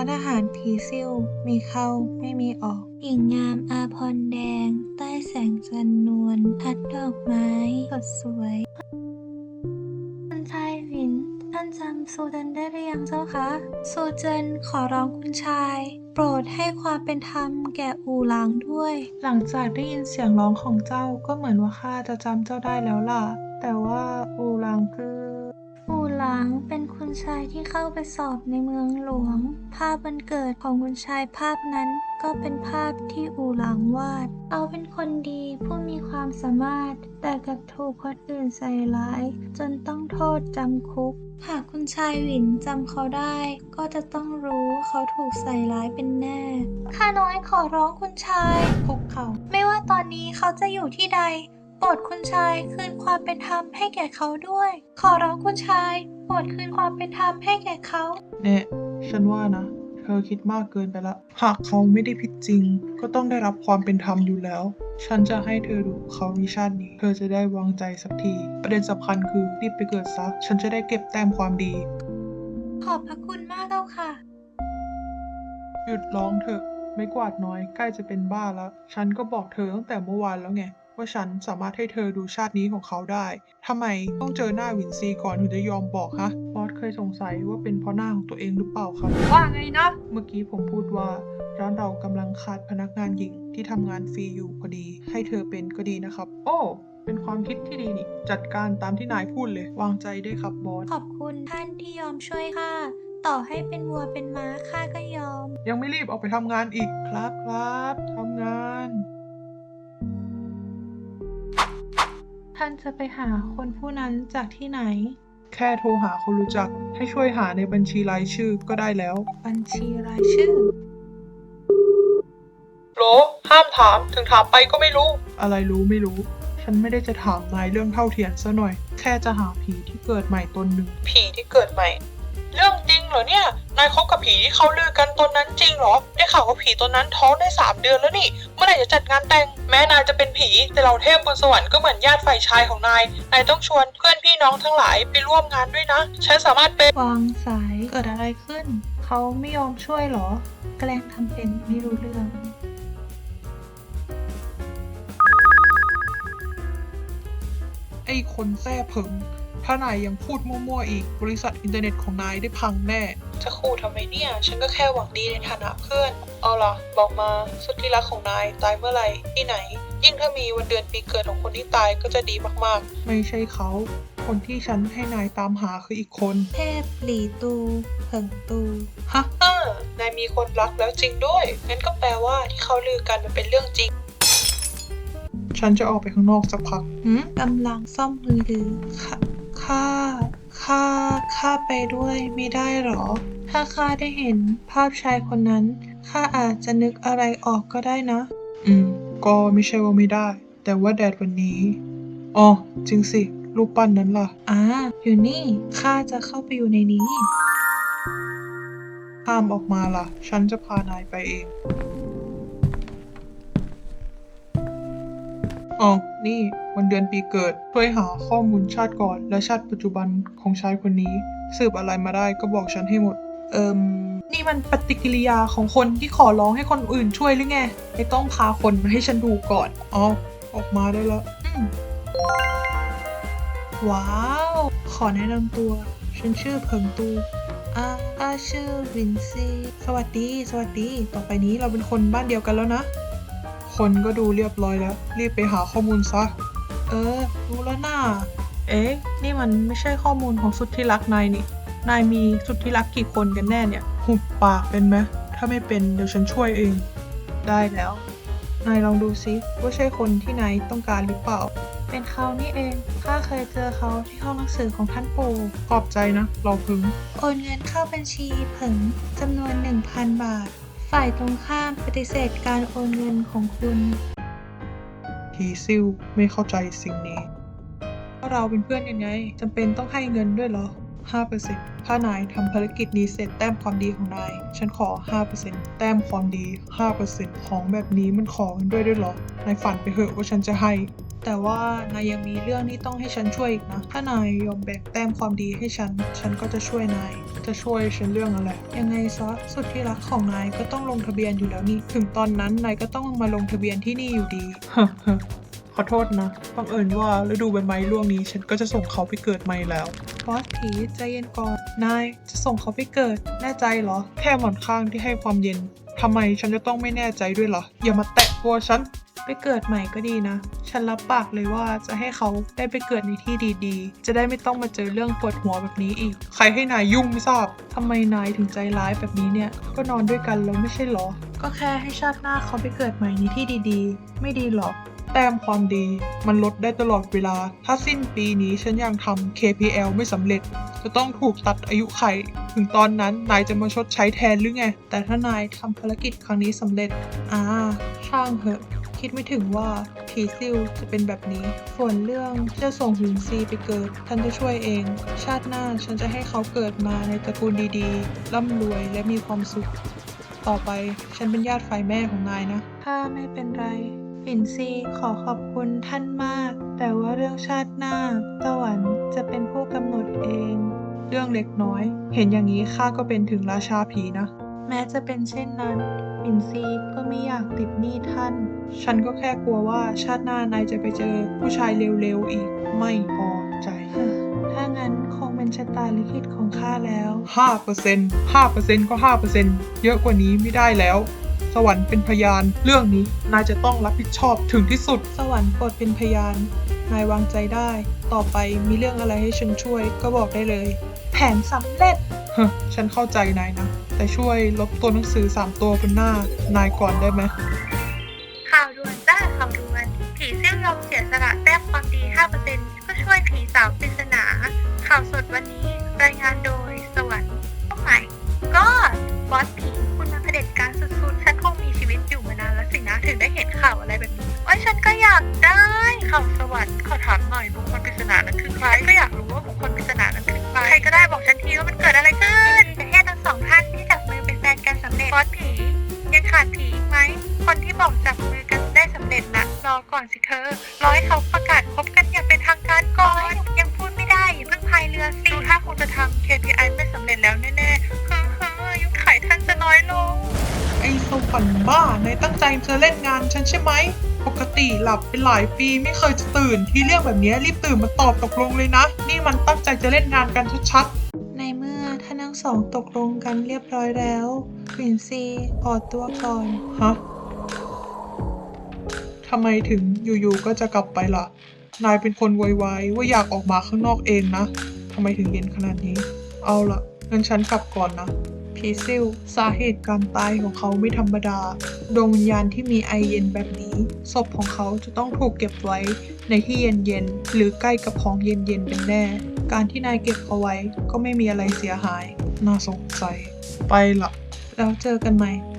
านอาหารผีซิ่วมีเข้าไม่มีออกหญิงงามอาภรณ์แดงใต้แสงจันนวลทัดดอกไม้สดสวยคุณชายหวินท่านจำซูเจินได้หรือยังเจ้าคะซูเจินขอร้องคุณชายโปรดให้ความเป็นธรรมแก่อูหลางด้วย หลังจากได้ยินเสียงร้องของเจ้าก็เหมือนว่าข้าจะจำเจ้าได้แล้วล่ะแต่ว่าอูหลางคืออูหลางเป็นคุณชายที่เข้าไปสอบในเมืองหลวงภาพวันเกิดของคุณชายภาพนั้นก็เป็นภาพที่อูหลางวาดเขาเป็นคนดีผู้มีความสามารถแต่กลับถูกคนอื่นใส่ร้ายจนต้องโทษจำคุกหากคุณชายหวินจำเขาได้ก็จะต้องรู้ว่าเขาถูกใส่ร้ายเป็นแน่ข้าน้อยขอร้องคุณชายคุกเขาไม่ว่าตอนนี้เขาจะอยู่ที่ใดโปรดคุณชายคืนความเป็นธรรมให้แก่เขาด้วยขอร้องคุณชายโปรดคืนความเป็นธรรมให้แก่เขาเนี่ยฉันว่านะเธอคิดมากเกินไปละหากเขาไม่ได้ผิดจริงก็ต้องได้รับความเป็นธรรมอยู่แล้วฉันจะให้เธอดูเขาในชาตินี้เธอจะได้วางใจสักทีประเด็นสำคัญคือรีบไปเกิดซะฉันจะได้เก็บแต้มความดีขอบพระคุณมากเจ้าค่ะหยุดร้องเถอะไม่กวาดน้อยใกล้จะเป็นบ้าแล้วฉันก็บอกเธอตั้งแต่เมื่อวานแล้วไงว่าฉันสามารถให้เธอดูชาตินี้ของเขาได้ทำไมต้องเจอหน้าวินซีก่อนถึงจะยอมบอกฮะบอสเคยสงสัยว่าเป็นเพราะหน้าของตัวเองหรือเปล่าครับว่าไงนะเมื่อกี้ผมพูดว่าร้านเรากำลังขาดพนักงานหญิงที่ทำงานฟรีอยู่พอดีให้เธอเป็นก็ดีนะครับโอ้เป็นความคิดที่ดีนี่จัดการตามที่นายพูดเลยวางใจได้ครับบอสขอบคุณท่านที่ยอมช่วยข้าต่อให้เป็นวัวเป็นม้าข้าก็ยอมยังไม่รีบออกไปทำงานอีกครับทำงานท่านจะไปหาคนผู้นั้นจากที่ไหนแค่โทรหาคนรู้จักให้ช่วยหาในบัญชีรายชื่อก็ได้แล้วบัญชีรายชื่อโหลห้ามถามถึงถามไปก็ไม่รู้อะไรรู้ไม่รู้ฉันไม่ได้จะถามนายเรื่องเท่าเทียมซะหน่อยแค่จะหาผีที่เกิดใหม่ตนหนึ่งผีที่เกิดใหม่เรื่องจริงเหรอเนี่ยนายคบกับผีที่เขาลือกันตนนั้นจริงเหรอได้ข่าวว่าผีตนนั้นท้องได้3 เดือนแล้วนี่เมื่อไหร่จะจัดงานแต่งแม้นายจะเป็นผีแต่เราเทพบนสวรรค์ก็เหมือนญาติฝ่ายชายของนายต้องชวนเพื่อนพี่น้องทั้งหลายไปร่วมงานด้วยนะฉันสามารถเป็นวางสายเกิดอะไรขึ้นเขาไม่ยอมช่วยเหรอแกล้งทำเป็นไม่รู้เรื่องไอ้คนแท้เผิงถ้านายยังพูดมั่วๆอีกบริษัทอินเทอร์เน็ตของนายได้พังแน่จะขู่ทำไมเนี่ยฉันก็แค่หวังดีในฐานะเพื่อนเอาล่ะบอกมาสุดที่รักของนายตายเมื่อไหร่ที่ไหนยิ่งถ้ามีวันเดือนปีเกิดของคนที่ตายก็จะดีมากๆไม่ใช่เขาคนที่ฉันให้นายตามหาคืออีกคนเทพหลี่ตูเผิงตูฮะนายมีคนรักแล้วจริงด้วยงั้นก็แปลว่าที่เขาลือกันมันเป็นเรื่องจริงฉันจะออกไปข้างนอกสักพักกำลังซ่อมมือถือข้าไปด้วยไม่ได้หรอถ้าข้าได้เห็นภาพชายคนนั้นข้าอาจจะนึกอะไรออกก็ได้นะก็ไม่ใช่ว่าไม่ได้แต่ว่าแดดวันนี้อ๋อจริงสิรูปปั้นนั้นล่ะอยู่นี่ข้าจะเข้าไปอยู่ในนี้ห้ามออกมาล่ะฉันจะพานายไปเองอ๋อนี่วันเดือนปีเกิดช่วยหาข้อมูลชาติก่อนและชาติปัจจุบันของชายคนนี้สืบอะไรมาได้ก็บอกฉันให้หมดนี่มันปฏิกิริยาของคนที่ขอร้องให้คนอื่นช่วยหรือไงไม่ต้องพาคนมาให้ฉันดูก่อนออกมาได้แล้วว้าวขอแนะนำตัวฉันชื่อเผิงตูชื่อวินซีสวัสดีต่อไปนี้เราเป็นคนบ้านเดียวกันแล้วนะคนก็ดูเรียบร้อยแล้วรีบไปหาข้อมูลซะรู้แล้วน่านี่มันไม่ใช่ข้อมูลของสุดที่รักนายนี่นายมีสุดที่รักกี่คนกันแน่เนี่ยหุบปากเป็นไหมถ้าไม่เป็นเดี๋ยวฉันช่วยเองได้แล้วนายลองดูซิว่าใช่คนที่นายต้องการหรือเปล่าเป็นเขานี่เองข้าเคยเจอเขาที่ห้องหนังสือของท่านปู่ขอบใจนะเราพึงโอนเงินเข้าบัญชีเผิงจำนวน 1,000 บาทฝ่ายตรงข้ามปฏิเสธการโอนเงินของคุณผีซิ่วไม่เข้าใจสิ่งนี้เราเป็นเพื่อนยังไงจำเป็นต้องให้เงินด้วยเหรอ 5% ถ้านายทำภารกิจนี้เสร็จแต้มความดีของนายฉันขอ 5% แต้มความดี 5% ของแบบนี้มันขอกันด้วยเหรอนายฝันไปเหอะว่าฉันจะให้แต่ว่านายยังมีเรื่องที่ต้องให้ฉันช่วยอีกนะ ถ้านายยอมแบ่งแต้มความดีให้ฉันก็จะช่วยนาย จะช่วยฉันเรื่องอะไร ยังไงซะสุดที่รักของนายก็ต้องลงทะเบียนอยู่แล้วนี่ ถึงตอนนั้นนายก็ต้องมาลงทะเบียนที่นี่อยู่ดี ขอโทษนะบังเอิญว่าฤดูใบไม้ร่วงนี้ฉันก็จะส่งเขาไปเกิดใหม่แล้วบอสผีใจเย็นก่อน นายจะส่งเขาไปเกิด แน่ใจเหรอ แค่หมอนข้างที่ให้ความเย็น ทำไมฉันจะต้องไม่แน่ใจด้วยล่ะ อย่ามาแตะตัวฉัน ไปเกิดใหม่ก็ดีนะ ฉันรับปากเลยว่าจะให้เขาได้ไปเกิดในที่ดีๆ จะได้ไม่ต้องมาเจอเรื่องปวดหัวแบบนี้อีก ใครให้นายยุ่งไม่ทราบ ทำไมนายถึงใจร้ายแบบนี้เนี่ย ก็นอนด้วยกันแล้วไม่ใช่เหรอ ก็แค่ให้ชาติหน้าเขาไปเกิดใหม่ในที่ดีๆ ไม่ดีหรอ แต้มความดีมันลดได้ตลอดเวลา ถ้าสิ้นปีนี้ฉันยังทำ KPL ไม่สำเร็จ จะต้องถูกตัดอายุไข ถึงตอนนั้นนายจะมาชดใช้แทนหรือไง แต่ถ้านายทำภารกิจครั้งนี้สำเร็จ ช่างเหอะ คิดไม่ถึงว่าผีซิ่วจะเป็นแบบนี้ ส่วนเรื่องที่จะส่งหวินซีไปเกิดฉันจะช่วยเอง ชาติหน้าฉันจะให้เขาเกิดมาในตระกูลดีๆ ร่ำรวยและมีความสุข ต่อไปฉันเป็นญาติฝ่ายแม่ของนายนะ ถ้าไม่เป็นไรหวินซีขอขอบคุณท่านมาก แต่ว่าเรื่องชาติหน้าสวรรค์จะเป็นผู้กำหนดเอง เรื่องเล็กน้อย เห็นอย่างนี้ข้าก็เป็นถึงราชาผีนะ แม้จะเป็นเช่นนั้นหวินซีก็ไม่อยากติดหนี้ท่าน ฉันก็แค่กลัวว่าชาติหน้านายจะไปเจอผู้ชายเร็วๆอีก ไม่พอใจ ถ้างั้นคงเป็นชะตาลิขิตของข้าแล้ว 5% ก็ 5%เยอะกว่านี้ไม่ได้แล้ว สวรรค์เป็นพยาน เรื่องนี้นายจะต้องรับผิดชอบถึงที่สุด สวรรค์โปรดเป็นพยาน นายวางใจได้ ต่อไปมีเรื่องอะไรให้ฉันช่วยก็บอกได้เลย แผนสำเร็จ ฉันเข้าใจนายนะ แต่ช่วยลบตัวหนังสือ3ตัวบนหน้านายก่อนได้ไหมข่าวด่วนจ้าข่าวด่วน ผีซิ่วยอมเสียสละแต้มความดี 5% ก็ช่วยผีสาวปริศนา ข่าวสดวันนี้รายงานโดยสวรรค์ใหม่ก็บอสผีคุณมาเผด็จการสุดๆ ฉันคงมีชีวิตอยู่มานานแล้วสินะ ถึงได้เห็นข่าวอะไรแบบนี้โอ้ยฉันก็อยากได้ข่าวสวรรค์ขอถามหน่อยบุคคลปริศนานั้นคือใครก็อยากรู้ว่าบุคคลปริศนานั้นคือใครใครก็ได้บอกฉันทีว่ามันเกิดอะไรขึ้นแต่แค่ทั้งสองท่านที่จับมือเป็นแฟนกันสำเร็จบอสผียังขาดผีอีกไหมคนที่บอกจับมือกันได้สำเร็จนะรอก่อนสิเธอรอให้เขาประกาศพบกันอย่างเป็นทางการก่อนยังพูดไม่ได้อย่าเพิ่งพายเรือสิดูถ้าคงจะทำ KPI ไม่สำเร็จแล้วแน่ๆยุคไขท่านจะน้อยลงไอ้สวรรค์บ้านายตั้งใจจะเล่นงานฉันใช่ไหม ปกติหลับเป็นหลายปีไม่เคยจะตื่น ที่เรื่องแบบนี้รีบตื่นมาตอบตกลงเลยนะ นี่มันตั้งใจจะเล่นงานกันชัดในเมื่อท่านทั้งสองตกลงกันเรียบร้อยแล้วหวินซีออกตัวก่อนๆ ฮะ ทำไมถึงอยู่ๆก็จะกลับไปล่ะ นายเป็นคนไวๆว่าอยากออกมาข้างนอกเองนะ ทำไมถึงเย็นขนาดนี้ เอาล่ะงั้นฉันกลับก่อนนะ ผีซิ่วสาเหตุการตายของเขาไม่ธรรมดา ดวงวิญญาณที่มีไอเย็นแบบนี้ ศพของเขาจะต้องถูกเก็บไว้ในที่เย็นๆ หรือใกล้กับของเย็นๆ เป็นแน่ การที่นายเก็บเขาไว้ก็ไม่มีอะไรเสียหาย น่าสงสัย ไปละแล้วเจอกันใหม่